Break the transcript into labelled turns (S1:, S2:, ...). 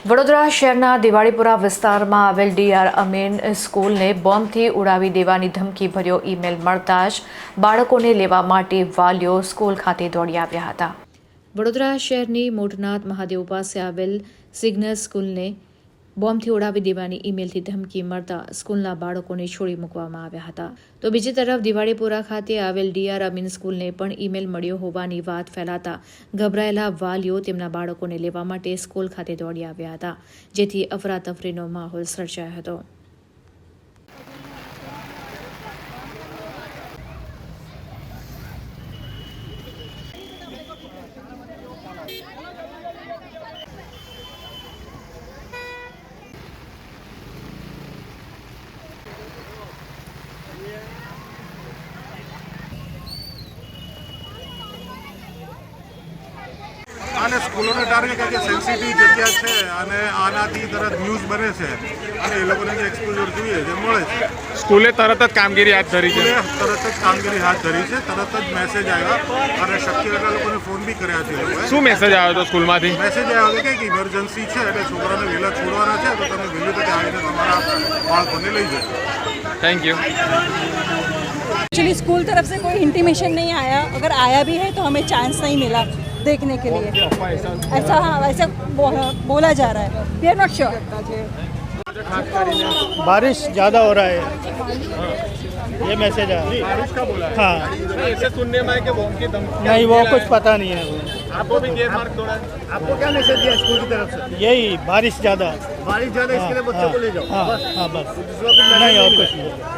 S1: વડોદરા શહેરના દિવાળીપુરા વિસ્તારમાં આવેલ ડીઆર અમીન સ્કૂલને બોમ્બથી ઉડાવી દેવાની ધમકીભર્યો ઈમેલ મળતા જ બાળકોને લેવા માટે વાલીઓ સ્કૂલ ખાતે દોડી આવ્યા હતા। વડોદરા શહેરની મોટનાથ મહાદેવ પાસે આવેલ સિગ્નલ સ્કૂલને બોમ્બથી ઉડાવી દેવાની ઈમેલથી ધમકી મળતા સ્કૂલના બાળકોને છોડી મૂકવામાં આવ્યા હતા। તો બીજી તરફ દિવાળીપુરા ખાતે આવેલ ડીઆર અમીન સ્કૂલને પણ ઈમેલ મળ્યો હોવાની વાત ફેલાતા ગભરાયેલા વાલીઓ તેમના બાળકોને લેવા માટે સ્કૂલ ખાતે દોડી આવ્યા હતા, જેથી અફરાતફરીનો માહોલ સર્જાયો હતો।
S2: અને સ્કૂલોને ટાર્ગેટ કે સેન્સિટિવ જગ્યા છે અને આનાથી તરત ન્યૂઝ બને છે અને એ લોકોને જે એક્સપોઝર જોઈએ જે મળે છે।
S3: સ્કૂલે તરત જ કામગીરી હાથ ધરી છે।
S2: તરત જ કામગીરી હાથ ધરી છે, તરત જ મેસેજ આવ્યા અને શક્ય એટલા લોકોને ફોન બી કર્યા છે। એ લોકોએ
S3: શું મેસેજ આવ્યો હતો સ્કૂલમાંથી?
S2: મેસેજ આવ્યો હતો કે ઇમરજન્સી છે એટલે છોકરાને વહેલા છોડવાના છે, તો તમે વહેલી તકે આવીને તમારા બાળકોને લઈ જાઓ।
S3: Thank you.
S4: एक्चुअली स्कूल तरफ से कोई इंटीमेशन नहीं आया, अगर आया भी है तो हमें चांस नहीं मिला देखने के लिए। ऐसा हाँ वैसा बोला जा रहा है, वी आर नॉट श्योर।
S5: बारिश ज़्यादा हो रहा है, ये मैसेज है।
S3: बारिश का बोला है?
S5: हाँ,
S3: ऐसे सुनने में है कि बॉम्ब की धमकी
S5: नहीं वो कुछ पता नहीं है।
S3: आपको भी गेट मार्क तोड़ा?
S2: आपको क्या मैसेज दिया स्कूल की तरफ से?
S5: यही बारिश ज़्यादा,
S2: बारिश ज़्यादा इसके लिए बच्चों को ले जाओ।
S5: हाँ
S2: बस
S5: हाँ बस,
S2: दूसरा कुछ
S5: नहीं और कुछ नहीं।